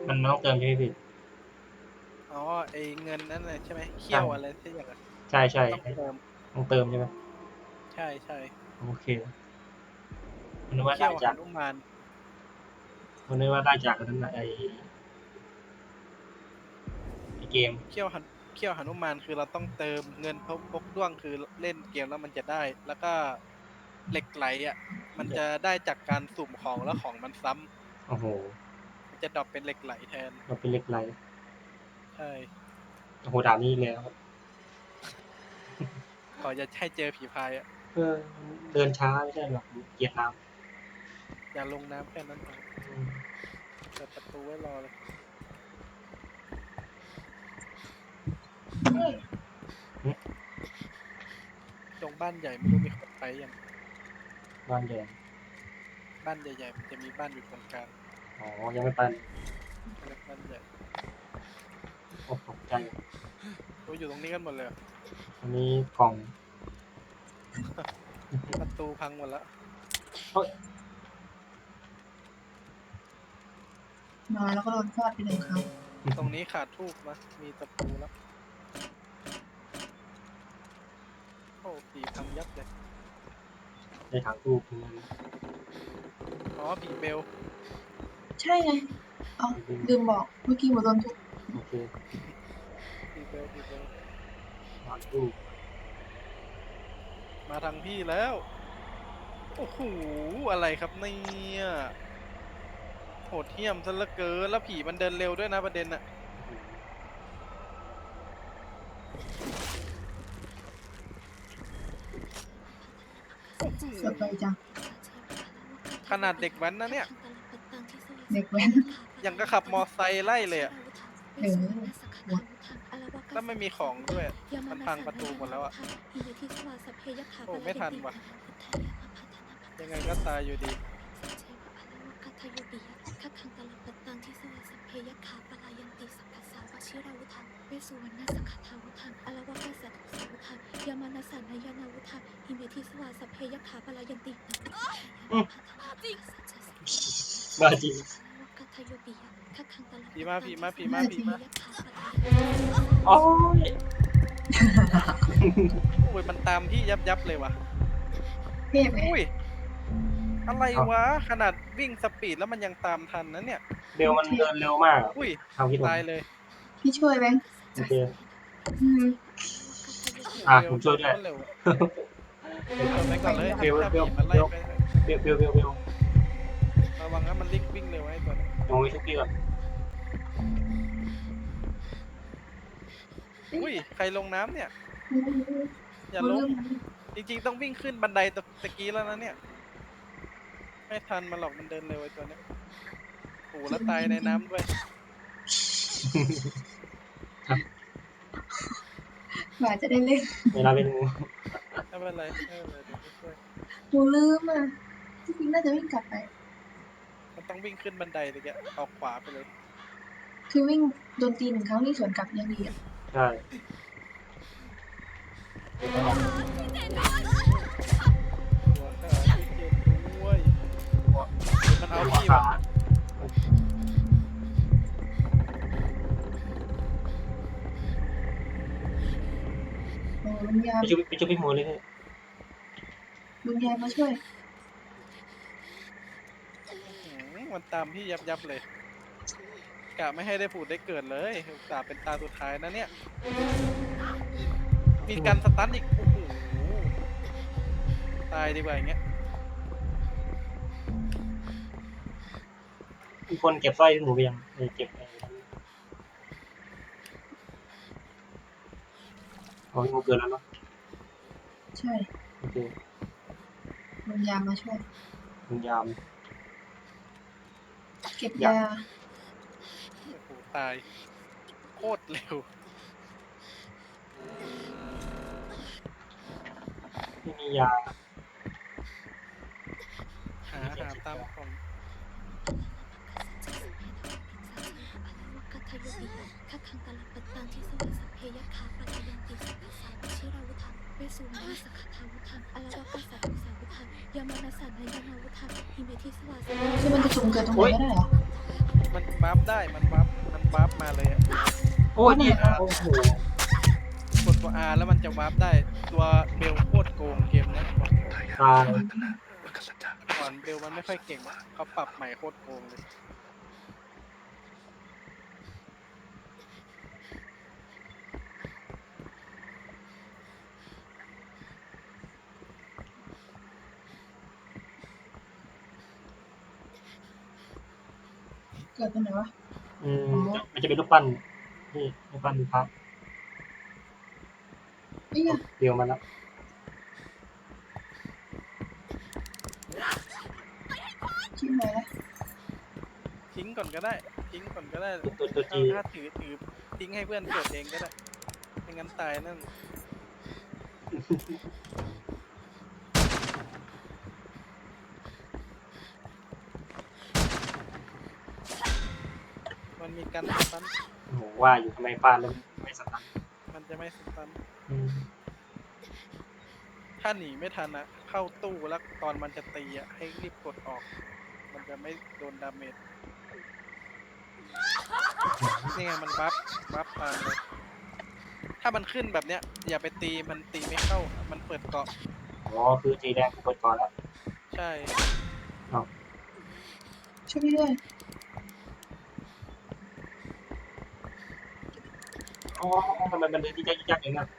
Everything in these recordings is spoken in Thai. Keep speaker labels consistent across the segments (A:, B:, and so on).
A: มันต้องเติมใช่ไหมพี่
B: อ๋อไอเงินนั่นเลยใช่ไหมเขี้
A: ใช่
B: ยวอะไรที่อย่างนั้น
A: ใช่ใช่
B: ต้องเติม
A: ต้องเติมใช่ไหม
B: ใช่ใช่
A: โอเคมันนึกว่า
B: เขี้ยวห
A: ได้จาก
B: นุมาน
A: มันนึกว่าได้จากอันนั้นน่ะไอเกม
B: เขี้ยวหันเขี้ยวหนุมานคือเราต้องเติมเงินพกด้วงคือเล่นเกมแล้วมันจะได้แล้วก็เหล็กไหลอ่ะมันจะได้จากการสุ่มของแล้วของมันซ้
A: โอ้โห
B: ำมันจะดรอปเป็นเหล็กไหลแทน
A: เราเป็นเล็กไร
B: ใช่
A: โอ้โหด่านนี้อีกแล้ว
B: ขอจะให้เจอผีพายอ่ะ
A: เออเดินช้าไม่ใช่หรอกเกลียดน้
B: อย่าลงน้ำแค่นั้นพอ
A: ำ
B: เปิดประตูไว้รอเลยตรงบ้านใหญ่ไม่รู้มีคนไปยัง
A: บ้านแดง
B: บ้านใหญ่ๆมันจะมีบ้านอยู่ตรงกลาง
A: อ๋อยังไม่ไป
B: เรียกบ้านใหญ่
A: โอ้ตกใจ
B: โอ้ยอยู่ตรงนี้กันหมดเลยเหรอ
A: อันนี้กล่อง
B: ประตูพังหมดแล้ว
A: เฮ้ย
C: มาแล้วก็โดนฟาดไปหนึ่งครั้ง
B: ตรงนี้ขาดทูบนะมีตะปูแล้วโอ้ผีพังยับเลย
A: ในถังทูบมัน
B: อ๋อผีเบล
C: ใช่ไงเอาลืมบอกเมื่อกี้หมดโดนทุบ
A: โอเค
B: ผีเบลผีเบล
A: ถังทูบ
B: มาทางพี่แล้วโอ้โหอะไรครับเนี่ยโหดเหี้ยมซะเหลือเกินแล้วผีมันเดินเร็วด้วยนะประเด็นอะ
C: สดไปจัง
B: ขนาดเด็กแว้นนะเนี่ย
C: เด็กแว้น
B: ยังก็ขับมอไซค์ไล่เลยอะ
C: เออหมด
B: แล้วไม่มีของด้วยมันพังประตูหมดแล้วอะโอ้ไม่ทันว่ะยังไงก็ตายอยู่ดี
A: บ้าจริง
B: ผีมาผีมาผีมาผีมา
A: โอ้ย
B: โอ้ยมันตามพี่ยับเลยว่ะ
C: เทพไง
B: อุ้ยอะไรวะขนาดวิ่งสปีดแล้วมันยังตามทันนะเนี่ย
A: เบลมันเดินเร็วมาก
B: อุ้ย
A: ทำคิดผม
B: ตายเลย
C: พี่ช่วยแบงค์
A: โอเค
C: อืม
A: ผมช่วยด้วย
B: เร็วไปก่อนเลย
A: เบล
B: ถ้า
A: เบล
B: ผีมันไล่ไป
A: เบลเบล
B: ระวังนะมันวิ่งเร็วไอ้ตัวนี้
A: ลงไปชุบพี่ก่อน
B: อุ้ยใครลงน้ำเนี่ย อย่าลง
C: เรื่องมัน
B: จริงๆต้องวิ่งขึ้นบันไดตะกี้แล้วนะเนี่ยไม่ทันมันหรอกมันเดินเร็วไอ้ตัวเนี้ยโอ้โหแล้วตายในน้ำด้วย
C: กว่าจะได้เล่น
A: เวลาเป็นงู
B: ไม่เป็นไรไม่เป็นไรเดี๋ยวช่วย
C: หนูลืมอ่ะจริงๆน่าจะวิ่งกลับไป
B: มันต้องวิ่งขึ้นบันไดเลยแกออกขวาไปเลย
C: คือวิ่งโดนตีหนึ่งครั้งวิ่งสวนกลับยังดีอ่ะ
A: ใช่
B: หัวขาที่เจ็บด้วยมันเอาพี่ว่ะ
C: โอ้ลุงยาม
A: ไปชุบพี่หมูเลย
C: ลุงยามมาช่วย
B: มันตามพี่ยับเลยกะไม่ให้ได้ผุดได้เกิดเลยอุตส่าห์เป็นตาสุดท้ายนะเนี่ยมีการสตันอีกโอ้โหตายดีกว่าอย่างเงี้ย
A: มีคนเก็บสร้อยพี่หมูไปยังเก็บเอาพี่หมูเกินแล้วเนาะ
C: ใช่
A: โอเค
C: ลุงยามมาช่วย
A: คุณยาม
C: เก็บ
A: ยา
C: ยา
B: โอ้โหตายโคตรเร็ว
A: ไม่มียา
B: หาตามของ
C: คือมันจะสุ่มเกิดตรงไหนก็ได้เหรอ
B: มันบัฟได้มันบัฟมาเลยอะ
A: โอ้ยนี่โอ้โห
B: กดตัว R แล้วมันจะวาร์ปได้ตัวเบลโคตรโกงเกมเนี้ยบอก
A: ตาย
B: ก่อนเบลมันไม่ค่อยเก่งอะเขาปรับใหม่โคตรโกงเลย
C: เกิดตรงไหนวะ
A: มันจะเป็นรูปปั้นนี่รูปปั้นพระ
C: นี่ไง
A: เดียวมันแล้ว
C: ชิ้นไหนละ
B: ทิ้งก่อนก็ได้ทิ้งก่อนก็ได้
A: ตัวจี
B: ถ้าถือทิ้งให้เพื่อนเกิดเองก็ได้ไม่งั้นตายนั่นมันมีการสตัน
A: โอ้โหว่าอยู่ทำไมฟาดแล้วไม่สตัน
B: มันจะไม่สตัน
A: อืม
B: ถ้าหนีไม่ทันอะเข้าตู้แล้วตอนมันจะตีอะให้รีบกดออก มันจะไม่โดนดาเมจนี่ไงมันบัฟตามเลย ถ้ามันขึ้นแบบเนี้ย อย่าไปตีมันตีไม่เข้า มันเปิดเกาะ
A: อ๋อคือจีแดงกูเปิดก่อนแล้ว
B: ใช่
C: ช่วยพี่ด้วย
A: อ๋อทำไมมันเดินที่ยักษ์อย่างนั้น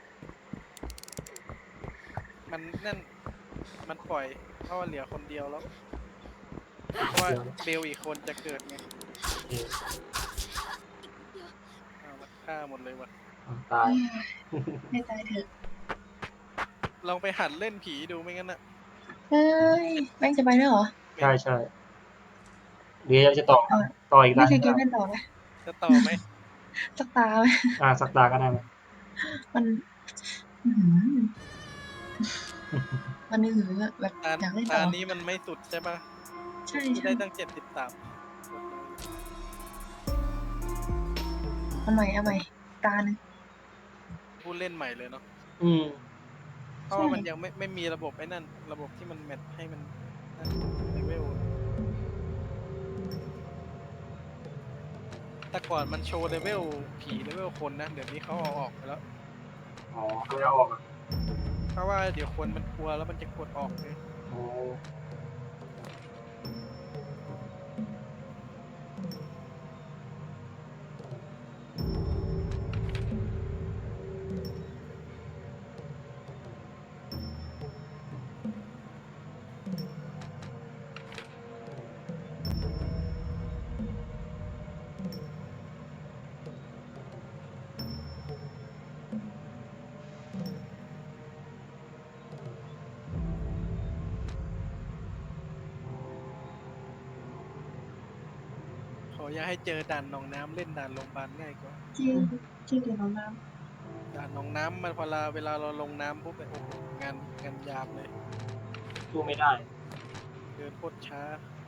B: มันนั่นมันปล่อยเพราะว่าเหลือคนเดียวแล้ว เพราะว่าเบลอีกคนจะเกิดไง
A: โอเค
B: เอาละฆ่าหมดเลยว่ะ
A: ตาย
C: ให้ตายเถอะ
B: ลองไปหัดเล่นผีดูไม่งั้นอะ
C: เฮ้ยแม่งจะไปแล้วเหรอ
A: ใช่ใช่เดี๋ยวจะต่ออีก
C: ไม่
A: แล้ว
C: ใช่เกมเล่นต่อนะ
B: จะต่อไหม
C: สักตาไหม
A: สักตาก็ได้ไหม
C: มันอื้อหือมันอื้อหือแบบ
B: ตา
C: อยากเล่น
B: ตา
C: ต่อ
B: นี้มันไม่สุดใช่ปะ
C: ใช่
B: ที่
C: ใช่
B: ได้ตั้ง73
C: เอาใหม่ตาหนึ่ง
B: ผู้เล่นใหม่เลยเนาะ
A: อืม
B: เพราะว่ามันยังไม่มีระบบไอ้นั่น ระบบที่มันแมทให้มันนั่นเลเวลแต่ก่อนมันโชว์เลเวลผีเลเวลคนนะ เดี๋ยวนี้เขาเอาออกไปแล้ว
A: อ๋อเขาไม่เอาออกอ่ะ
B: เพราะว่าเดี๋ยวคนมันกลัวแล้วมันจะกดออกเลย
A: อ๋อ
B: ขออย่าให้เจอด่านหนองน้ำเล่นด่านโรงพยาบาลง่ายกว่า
C: ที่เกี่ยวกับน้
B: ด่านหนองน้ำมันเวลาเราลงน้ำปุ๊บเนี่ยโอ้โหงานยามเลย
A: สู้ไม่ได้
B: เดินโคตรช้า